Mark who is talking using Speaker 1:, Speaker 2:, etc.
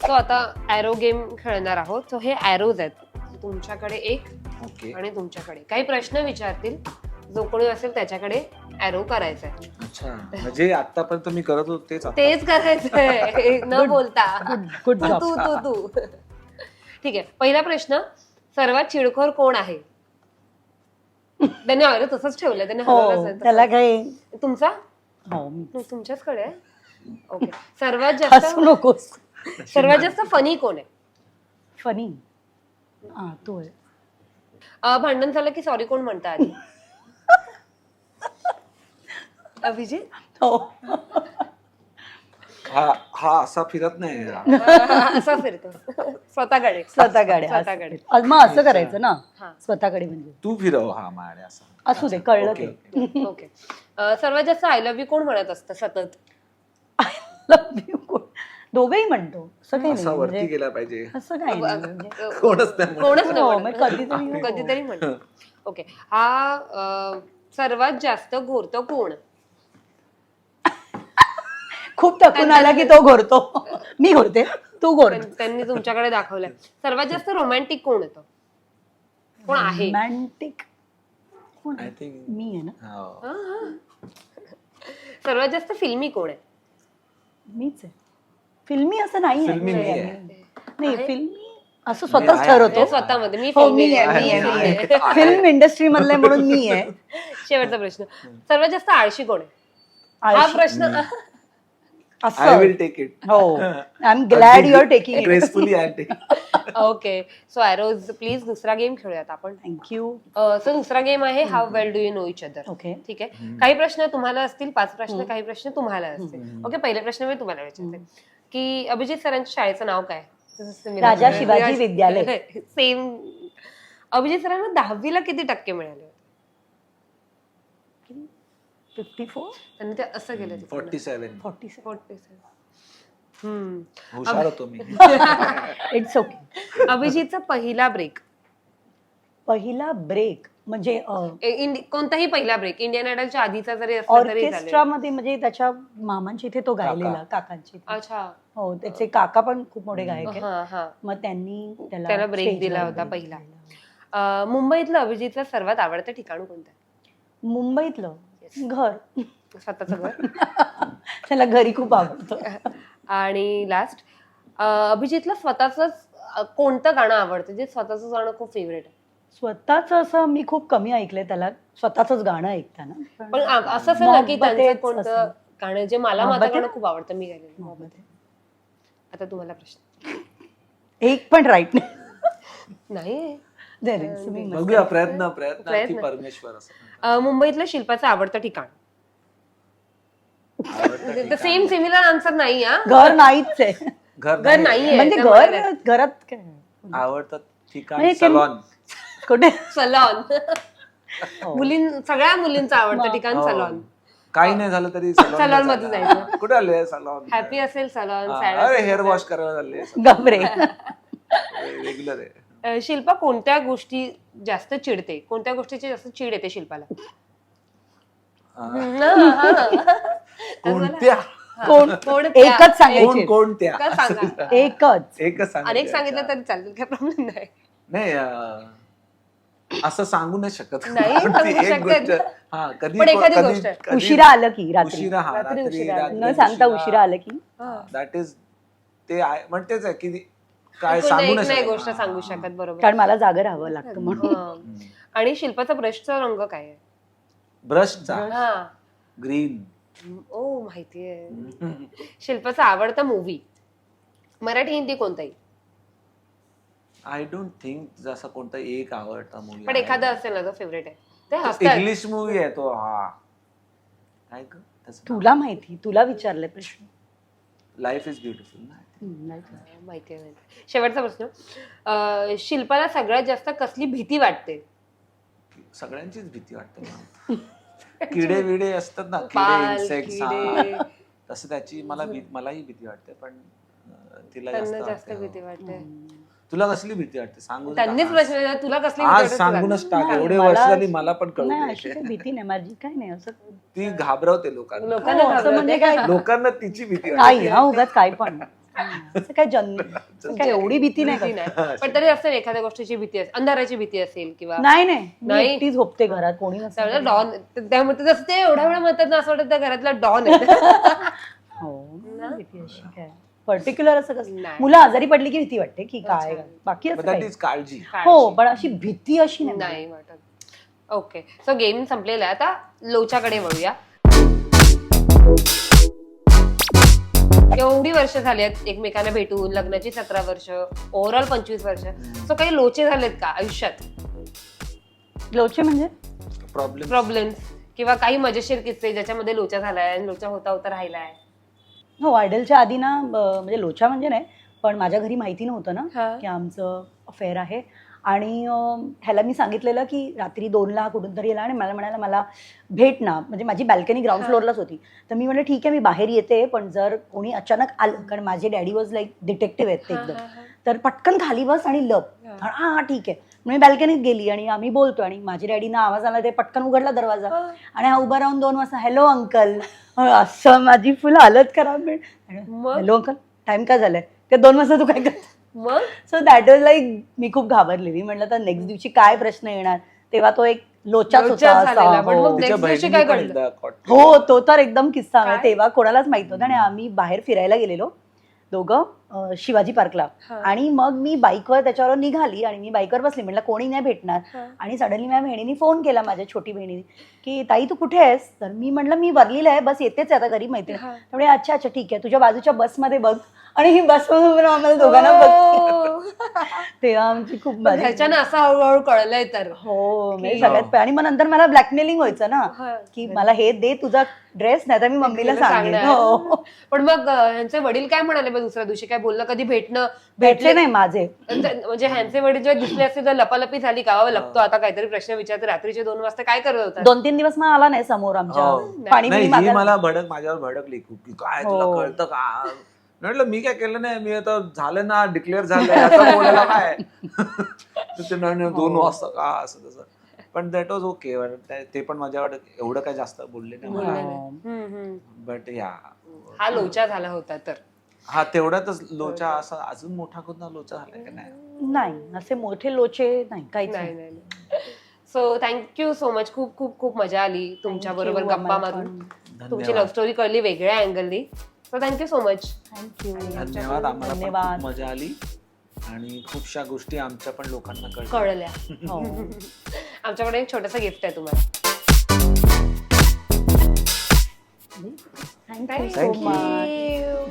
Speaker 1: So आता arrow game खेळणार आहोत. सो हे ॲरोज आहेत, तुमच्याकडे एक
Speaker 2: ओके.
Speaker 1: आणि तुमच्याकडे काही प्रश्न विचारतील. जो कोणी असेल त्याच्याकडे ॲरो करायचा आहे.
Speaker 2: अच्छा, म्हणजे आतापर्यंत मी करत होतो
Speaker 1: तेच करायचंय न बोलता.
Speaker 3: Good job.
Speaker 1: तू तू तू ठीक आहे. पहिला प्रश्न, सर्वात चिडखोर कोण आहे? त्याने अरे तसंच ठेवलं, त्याने हलवलंच
Speaker 3: हो
Speaker 1: नाही.
Speaker 3: त्याला काही
Speaker 1: तुमचा
Speaker 3: हो मी
Speaker 1: तुमच्याचकडे आहे. ओके. सर्वात
Speaker 3: हसू
Speaker 1: जास्त
Speaker 3: नकोस.
Speaker 1: सर्वात जास्त फनी कोण आहे?
Speaker 3: फनी तू आहे.
Speaker 1: भांडण झालं की सॉरी कोण म्हणता आधी? अभिजित.
Speaker 3: हो
Speaker 2: हा असा फिरत नाही.
Speaker 1: असा फिरतो स्वतःकडे.
Speaker 3: स्वतःकडे मग असं करायचं ना.
Speaker 1: हा.
Speaker 3: स्वतःकडे म्हणजे
Speaker 2: तू फिरव हा माडे असं.
Speaker 3: असू दे, कळलं
Speaker 2: ओके,
Speaker 3: ते.
Speaker 1: ओके. सर्वात जास्त आय लव्ह यू कोण म्हणत असतं सतत?
Speaker 3: Love you कोण? दोघंही म्हणतो, असं काही
Speaker 2: असा
Speaker 3: नाही
Speaker 2: वरती
Speaker 3: म्हणजे
Speaker 2: गेला पाहिजे.
Speaker 3: असं काही नाही म्हणजे.
Speaker 2: कोणच नाही म्हणत.
Speaker 1: कोणच
Speaker 3: हो,
Speaker 1: नाही
Speaker 3: मग
Speaker 1: म्हणत.
Speaker 3: कधीतरी
Speaker 1: कधीतरी म्हणतो. ओके. हा सर्वात जास्त घोरतो कोण?
Speaker 3: खूप थकून आला की तो घोरतो. मी घोरते, तू घोर.
Speaker 1: त्यांनी तुमच्याकडे दाखवलंय. सर्वात जास्त रोमॅन्टिक कोण येतो? कोण आहे?
Speaker 3: रोमॅन्टिक कोण
Speaker 2: आय
Speaker 3: आहे?
Speaker 2: थिंक
Speaker 3: मी आहे ना.
Speaker 1: सर्वात जास्त फिल्मी कोण आहे?
Speaker 3: मीच आहे. फिल्मी असं नाही आहे.
Speaker 2: फिल्मी मी आहे.
Speaker 3: नाही
Speaker 1: आहे?
Speaker 3: फिल्मी असं स्वतःच
Speaker 2: आहे.
Speaker 3: ठरवतो.
Speaker 1: स्वतःमध्ये मी
Speaker 3: हो,
Speaker 1: फिल्मी
Speaker 3: मी आहे,
Speaker 1: आहे,
Speaker 3: मी आहे,
Speaker 1: मी
Speaker 3: मी
Speaker 1: आहे.
Speaker 3: आहे. फिल्म इंडस्ट्री मधले म्हणून मी आहे.
Speaker 1: शेवटचा प्रश्न, सर्वात जास्त आळशी कोण आहे? हा
Speaker 3: आळशी.
Speaker 1: प्रश्न
Speaker 2: आय
Speaker 3: असं
Speaker 2: विल टेक इट.
Speaker 3: हो. I am glad you are taking it.
Speaker 2: Gracefully I take.
Speaker 1: Okay. So arrows please दुसरा गेम खेळूयात आपण.
Speaker 3: थँक्यू.
Speaker 1: सो दुसरा गेम आहे how well do you know each other.
Speaker 3: Okay.
Speaker 1: ठीक आहे. काही प्रश्न तुम्हाला असतील, 5 प्रश्न, काही प्रश्न तुम्हाला असतील. ओके. पहिले प्रश्न मी तुम्हाला विचारते की अभिजित सरांच्या शाळेचं नाव काय?
Speaker 3: राजा शिवाजी विद्यालय.
Speaker 1: सेम. अभिजित सरांना 10वीला किती टक्के मिळाले?
Speaker 3: 54
Speaker 1: त्यांनी ते असं केलं.
Speaker 2: 47.
Speaker 3: 47.
Speaker 2: हुशार होतो मी.
Speaker 3: It's okay.
Speaker 1: अभिजितचा पहिला ब्रेक.
Speaker 3: पहिला ब्रेक म्हणजे
Speaker 1: कोणताही पहिला ब्रेक इंडियन आयडलच्या आधीचा जरी असला तरी चालेल.
Speaker 3: ऑर्केस्ट्रामध्ये म्हणजे त्याच्या मामांच्या इथे तो गायलेला, काकांची इथे.
Speaker 1: अच्छा.
Speaker 3: हो, त्याचे काका पण खूप मोठे गायक आहेत.
Speaker 1: हा हा.
Speaker 3: मग त्यांनी
Speaker 1: त्याला ब्रेक दिला होता पहिला. मुंबईतलं अभिजितचं सर्वात आवडतं ठिकाण कोणतं?
Speaker 3: मुंबईतलं घर.
Speaker 1: स्वतःचं घर.
Speaker 3: त्याला घरी खूप आवडतं.
Speaker 1: आणि लास्ट, अभिजितला स्वतःच कोणतं गाणं आवडतं, जे स्वतःच गाणं खूप फेवरेट आहे?
Speaker 3: स्वतःच असं मी खूप कमी ऐकलंय त्याला स्वतःच गाणं ऐकताना.
Speaker 1: पण असं असेल ना की त्यांचं
Speaker 3: मोहब्बतेच
Speaker 1: कोणतं
Speaker 3: असेल.
Speaker 1: गाणं जे मला माझं
Speaker 3: मोहब्बते?
Speaker 1: गाणं खूप आवडतं मी गायलेलं.
Speaker 3: मोहब्बते.
Speaker 1: आता तुम्हाला प्रश्न
Speaker 3: एक पण राईट नाही.
Speaker 1: नाही.
Speaker 3: दे रे, तुम्ही मस्त.
Speaker 2: बघूया प्रयत्न
Speaker 1: प्रयत्न.
Speaker 2: की परमेश्वर असं.
Speaker 1: मुंबईतलं शिल्पाचं आवडतं ठिकाण.
Speaker 2: आवडतं ठिकाण.
Speaker 1: सेम सिमिलर आन्सर नाही हा.
Speaker 3: घर नाहीच आहे.
Speaker 2: घर
Speaker 1: घर
Speaker 2: नाही.
Speaker 1: नाहीये.
Speaker 3: म्हणजे
Speaker 1: त्या
Speaker 3: घर
Speaker 1: म्हणाल्या.
Speaker 3: घरात काय
Speaker 2: आवडतं ठिकाण
Speaker 3: म्हणजे ते-
Speaker 2: सलॉन.
Speaker 3: कुठे
Speaker 1: सलॉन.
Speaker 3: हो.
Speaker 1: सगळ्या मुलींचं आवडतं ठिकाण
Speaker 2: हो.
Speaker 1: सलॉन.
Speaker 2: काही नाही झालं तरी
Speaker 1: सलॉन मध्ये जायचं.
Speaker 2: कुठे आले सलॉन?
Speaker 1: हॅपी असेल सलॉन,
Speaker 2: अरे हेअर वॉश करायला झाले.
Speaker 3: गबरे.
Speaker 2: रेग्युलर आहे.
Speaker 1: शिल्पा कोणत्या गोष्टी जास्त चिडते? कोणत्या गोष्टीची जास्त चिड येते शिल्पाला?
Speaker 2: कोणत्या?
Speaker 3: एकच सांगायची.
Speaker 2: कोणत्या?
Speaker 1: सांगा.
Speaker 3: एकच
Speaker 2: सांग.
Speaker 1: अनेक सांगितलं तरी चालेल, काही प्रॉब्लेम नाही.
Speaker 2: नाही असं सांगू नाही शकत.
Speaker 1: नाही सांगू
Speaker 2: ती एक
Speaker 1: शकत.
Speaker 2: गोष्ट. हा, कधी
Speaker 1: पण एखादी गोष्ट.
Speaker 2: कधी-
Speaker 3: उशिरा आलं की रात्री
Speaker 2: उशिरा हा,
Speaker 1: रात्री उशिरा आलं.
Speaker 3: न सांगता उशिरा आलं की
Speaker 2: दॅट इज ते म्हणतेच आहे की काय
Speaker 1: एकूण
Speaker 2: सांगू
Speaker 1: एक
Speaker 2: नाही
Speaker 1: नाही
Speaker 2: शकत.
Speaker 1: गोष्ट सांगू शकत. बरोबर.
Speaker 3: कारण मला जागं राहावं लागतं म्हणून.
Speaker 1: आणि शिल्पाचा ब्रशचा रंग काय आहे?
Speaker 2: ब्रशचा
Speaker 1: हा.
Speaker 2: ग्रीन.
Speaker 1: ओ माहितीये. शिल्पाचा आवडता मूवी मराठी हिंदी कोणताही?
Speaker 2: आय डोंट थिंक जसा कोणता एक आवडता मूवी.
Speaker 1: पण एखादा असेल ना जो फेवरेट आहे. ते हसतात.
Speaker 2: इंग्लिश मूवी आहे तो. हा काय ग त्याचं नाव?
Speaker 3: तुला माहिती, तुला विचारले प्रश्न.
Speaker 2: लाईफ इज ब्युटिफुल ना.
Speaker 1: माहितीये. शेवटचा प्रश्न, शिल्पाला सगळ्यात जास्त कसली भीती वाटते?
Speaker 2: सगळ्यांचीच भीती वाटते मला. किडे विडे असतात ना,
Speaker 1: पाल,
Speaker 2: किडे इन्सेक्ट्स.
Speaker 1: किडे.
Speaker 2: तसं त्याची मलाही भीती वाटते, पण तिला
Speaker 1: त्यांना जास्त
Speaker 2: वाटते.
Speaker 1: भीती वाटते.
Speaker 2: तुला कसली भीती वाटते सांगून
Speaker 1: त्यांनीच
Speaker 2: टाक.
Speaker 1: प्रश्न विचारला, तुला कसली भीती
Speaker 2: आज
Speaker 1: वाटते?
Speaker 2: सांगूनच टाक.
Speaker 3: मला-
Speaker 2: एवढे वर्ष झाली मला पण कळू
Speaker 3: नाही
Speaker 2: दे.
Speaker 3: अशी काही भीती नाही माझी, काय नाही असं.
Speaker 2: ती घाबरवते लोकांना.
Speaker 1: लोकांना
Speaker 3: हो, असं म्हणजे काय
Speaker 2: लोकांना तिची भीती
Speaker 3: काही
Speaker 2: वाटते.
Speaker 3: हा उगाच काय पण असं काय काय एवढी भीती नाही
Speaker 1: भीती
Speaker 3: करत.
Speaker 1: नाही. पण तरी असेल एखाद्या गोष्टीची भीती असेल, अंधाराची भीती असेल किंवा
Speaker 3: नाही मी
Speaker 1: नाही.
Speaker 3: एकटी झोपते घरात, कोणी नसतं.
Speaker 1: डॉन. त्यामुळे जसं ते एवढ्या वेळा म्हणतात ना, असं वाटतं त्या घरातला डॉन आहे.
Speaker 3: हो भीती अशी काय पर्टिक्युलर असं कसं
Speaker 1: नाही.
Speaker 3: मुलं आजारी पडली की भीती वाटते की काय बाकी असं
Speaker 2: दॅट
Speaker 3: काही.
Speaker 2: इज काळजी.
Speaker 3: हो पण अशी भीती अशी नाही.
Speaker 1: नाही वाटत. ओके, सो गेम संपलेला आहे. आता लोच्याकडे वळूया. एवढी वर्ष झाली आहेत एकमेकांना भेटून, लग्नाची 17 वर्ष, ओव्हरऑल 25 वर्ष. सो काही लोचे झालेत का आयुष्यात?
Speaker 3: लोचे म्हणजे
Speaker 1: प्रॉब्लेम्स किंवा काही मजेशीर किस्से ज्याच्यामध्ये लोचा झालाय आणि लोचा होता होता राहिलाय?
Speaker 3: हो आयडलच्या आधी ना म्हणजे लोचा म्हणजे नाही पण माझ्या घरी माहिती नव्हतं ना
Speaker 1: हा.
Speaker 3: की आमचं अफेअर आहे आणि ह्याला मी सांगितलेलं की रात्री 2ला कुठून तरी येला आणि मला म्हणाला मला भेट ना, म्हणजे माझी बॅल्कनी ग्राउंड फ्लोअरलाच होती. तर मी म्हणलं ठीक आहे मी बाहेर येते, पण जर कोणी अचानक आलं, कारण माझे डॅडी वॉज लाईक डिटेक्टिव्ह आहेत ते एकदम, तर पटकन खाली बस आणि लप. हा ठीक आहे. मी बॅल्कनीत गेली आणि आम्ही बोलतो आणि माझ्या डॅडीना आवाज आला, ते पटकन उघडला दरवाजा आणि हा उभा राहून 2 वाजता हॅलो अंकल, असं माझी फुल हालत खराब. हॅलो अंकल टाइम काय झालाय, ते 2 वाजता तू काय करत?
Speaker 1: मग
Speaker 3: सो दॅट वॉज लाईक मी खूप घाबरलेली. म्हटलं तर नेक्स्ट दिवशी काय प्रश्न येणार, तेव्हा तो एक लोचाच
Speaker 1: लोचा
Speaker 3: होता
Speaker 1: झालेला.
Speaker 3: असा.
Speaker 1: पण
Speaker 3: हो.
Speaker 1: मग next दिवशी काय घडलं?
Speaker 3: हो तो तर एकदम किस्सा आहे.
Speaker 1: काय?
Speaker 3: तेव्हा कोणालाच माहित नव्हतं आणि आम्ही बाहेर फिरायला गेलेलो दोघं शिवाजी पार्कला आणि मग मी बाईकवर त्याच्यावर निघाली आणि मी बाईकवर बसली, म्हटलं कोणी नाही भेटणार आणि सडनली माझ्या बहिणीने फोन केला, माझ्या छोटी बहिणीने, की ताई तू कुठे आहेस? तर मी म्हटलं मी वरलीला आहे, बस येतेच आहे आता घरी मैत्रीण. त्यामुळे अच्छा अच्छा ठीक आहे, तुझ्या बाजूच्या बसमध्ये बघ. आणि ही बसमधून आम्हाला दोघांना बघ. तेव्हा आमची खूप मजा.
Speaker 1: ह्याच्यानं असं हळूहळू कळलंय तर.
Speaker 3: हो म्हणजे सगळ्यात आणि मग नंतर मला ब्लॅकमेलिंग व्हायचं ना की मला हे दे तुझा ड्रेस, नाही तर मी मम्मीला सांगेन. हो
Speaker 1: पण मग ह्यांचे वडील काय म्हणाले मग दुसऱ्या दिवशी? काय बोललं कधी भेटणं
Speaker 3: भेटले नाही माझे.
Speaker 1: म्हणजे ह्यांचे वडील जेव्हा दिसले असते तर लपालपी झाली का? लपतो आता काहीतरी प्रश्न विचारते, रात्रीचे 2 वाजता काय करत होता?
Speaker 3: 2-3 दिवस मग आला नाही समोर आमच्या. पाणी
Speaker 2: नाही,
Speaker 3: बिणी
Speaker 2: ही
Speaker 3: मागायला.
Speaker 2: मला माझ्यावर भडकली खूप की काय तुला
Speaker 3: हो.
Speaker 2: कळतं का? म्हटलं मी काय केलं नाही, मी आता झालं ना डिक्लेअर झालं आता बोलायला काय. तर ते नाही 2 वाजता का असं तसं. पण दॅट वॉज ओके. ते पण माझ्यावर एवढं काय जास्त बोलले नाही. बट या
Speaker 1: हा लोचा झाला होता तर.
Speaker 2: हा तेवढ्यातच लोचा असा अजून मोठा कोणता लोचा झालाय का नाही?
Speaker 3: नाही असे मोठे लोचे नाही काहीच
Speaker 1: नाही
Speaker 3: नाही.
Speaker 1: नाही. So thank you so much. खूप खूप खूप मजा आली तुमच्या बरोबर गप्पा मारून. तुमची लव्ह स्टोरी कळली वेगळ्या अँगलनी. So thank you so much.
Speaker 3: Thank you.
Speaker 2: धन्यवाद. आम्हाला पण
Speaker 3: धन्यवाद.
Speaker 2: खूप मजा आली आणि खूपशा गोष्टी आमच्या पण लोकांना
Speaker 1: कळल्या.
Speaker 3: हो.
Speaker 1: आमच्याकडे एक छोटंसं गिफ्ट आहे तुम्हाला.
Speaker 3: Thank you so much.